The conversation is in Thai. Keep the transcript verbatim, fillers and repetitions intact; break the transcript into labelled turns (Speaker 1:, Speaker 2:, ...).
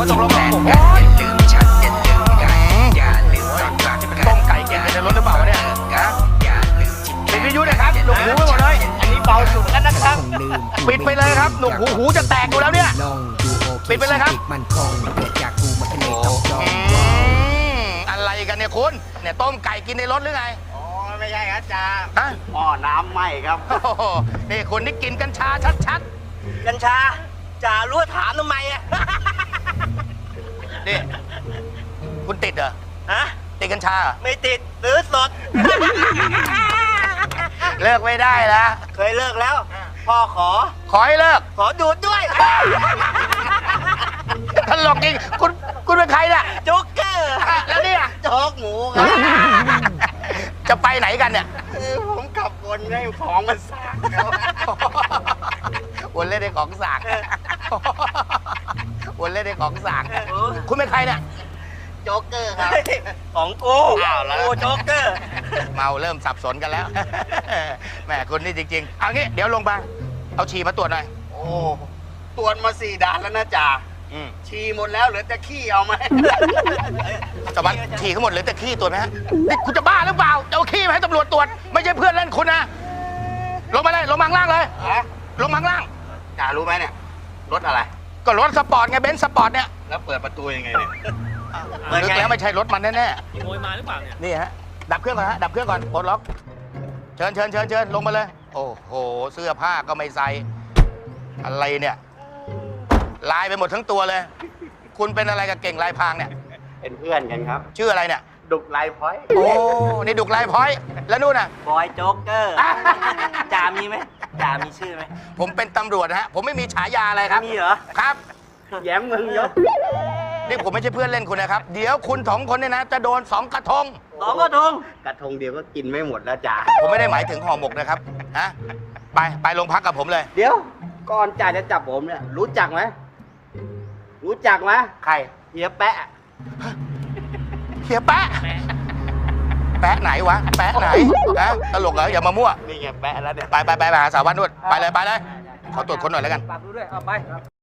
Speaker 1: ตกลงกันโอ้ยต้มไก่กินในรถหรือเปล่าวะเนี่ยปิดวิทยุเลยครับหนุกหูไปหมดเลยอันนี้เบาสุดแล้วนะครับปิดไปเลยครับหนุกหูหูจะแตกอยู่แล้วเนี่ยปิดไปเลยครับอะไรกันเนี่ยคุณเนี่ยต้มไก่กินในรถหรือไง
Speaker 2: อ๋อไม่ใช่ครับจ่า
Speaker 1: ฮะ
Speaker 2: หม้อน้ำไหม้ครับ
Speaker 1: โอ้โหนี่คุณนี่กินกัญชาชัด
Speaker 2: ๆกัญชาจ่ารู้ถามทำไมอ่ะ
Speaker 1: นี่คุณติดเหรอ
Speaker 2: ฮะ
Speaker 1: ติดกัญชา
Speaker 2: ไม่ติดซื้อสด
Speaker 1: เลิกไม่ได้แล้ว
Speaker 2: เคยเลิกแล้วพ่อขอ
Speaker 1: ขอให้เลิก
Speaker 2: ขอดูดด้วย
Speaker 1: ตลกจริงคุณคุณเป็นใครเนี่ย
Speaker 2: โจ๊กเกอร์
Speaker 1: แล้วเนี่ย
Speaker 2: โจ๊กหมูครับ
Speaker 1: จะไปไหนกันเนี่ย
Speaker 2: ผมขับวนให้ของมันสากครับ
Speaker 1: วนเล่นในของสากวนเล่นในของสากคุณเป็นใครเนี่ย
Speaker 2: โจ๊กเกอร์ครับของกูอ้าวแล้วโจ๊กเกอร์
Speaker 1: เมาเริ่มสับสนกันแล้วแหมคุณนี่จริงๆเอางี้เดี๋ยวลงมาเอาฉี่มาตรวจหน่อย
Speaker 2: โอ้ตรวจมาสี่ด่านแล้วนะจ่าฉี่หมดแล้วเหลือแต่ขี้เอาไหม
Speaker 1: จะมาฉี่ทั้งหมดเหลือแต่ขี้ตรวจไหมฮะนี่คุณจะบ้าหรือเปล่าจะเอาขี้มาให้ตำรวจตรวจไม่ใช่เพื่อนเล่นคุณนะลงมาเลยลงมาข้างล่างเลยลงมาข้างล่าง
Speaker 2: จ่ารู้ไหมเนี่ยรถอะไร
Speaker 1: ก็รถสปอร์ตไงเบนซ์สปอร์ตเนี่ย
Speaker 2: แล้วเปิดประตูยังไงเนี่ย
Speaker 1: นึกแล้วไม่ใช่รถมันแน่
Speaker 3: ๆขโมยมาหรือเปล่าเนี่ย
Speaker 1: นี่ฮะดับเครื่องก่อนฮะดับเครื่องก่อนปลดล็อกเชิญเชิญเชิญเชิญลงมาเลยโอ้โหเสื้อผ้าก็ไม่ใส่อะไรเนี่ยลายไปหมดทั้งตัวเลยคุณเป็นอะไรกับเก่งลายพางเนี่ย
Speaker 2: เป็นเพื่อนกันครับ
Speaker 1: ชื่ออะไรเนี่ย
Speaker 2: ดุกลายพอย
Speaker 1: โอ้นี่ดุกลายพอยแล้วนู่นน่ะ
Speaker 2: บอยโจ๊กเกอร์จ่ามีไหมจ่ามีชื่อไหม
Speaker 1: ผมเป็นตำรวจฮะผมไม่มีฉายาอะไรครับ
Speaker 2: มีเหรอ
Speaker 1: ครับ
Speaker 2: แย้มเมืองยศ
Speaker 1: นี่ผมไม่ใช่เพื่อนเล่นคุณนะครับเดี๋ยวคุณสองคนเนี่ยนะจะโดนสองกระทง
Speaker 2: สองกระทงกระทงเดียวก็กินไม่หมดแล้วจ่า
Speaker 1: ผมไม่ได้หมายถึงห่อหมกนะครับฮะไปไปโรงพักกับผมเลย
Speaker 2: เดี๋ยวก่อนจ่าจะจับผมเนี่ยรู้จักไหมรู้จักไหม
Speaker 1: ใคร
Speaker 2: เฮียแปะ
Speaker 1: เฮียแปะแปะไหนวะแปะไหนนะตลกเหรออย่ามามั่ว
Speaker 2: นี่ไงแปะแล้วเนี่ย
Speaker 1: ไปไปไปหาสาววันนู่นไปเลยไปเลยขอตรวจคนหน่อยแล้วกัน
Speaker 2: ฝากดูด้วยเอาไป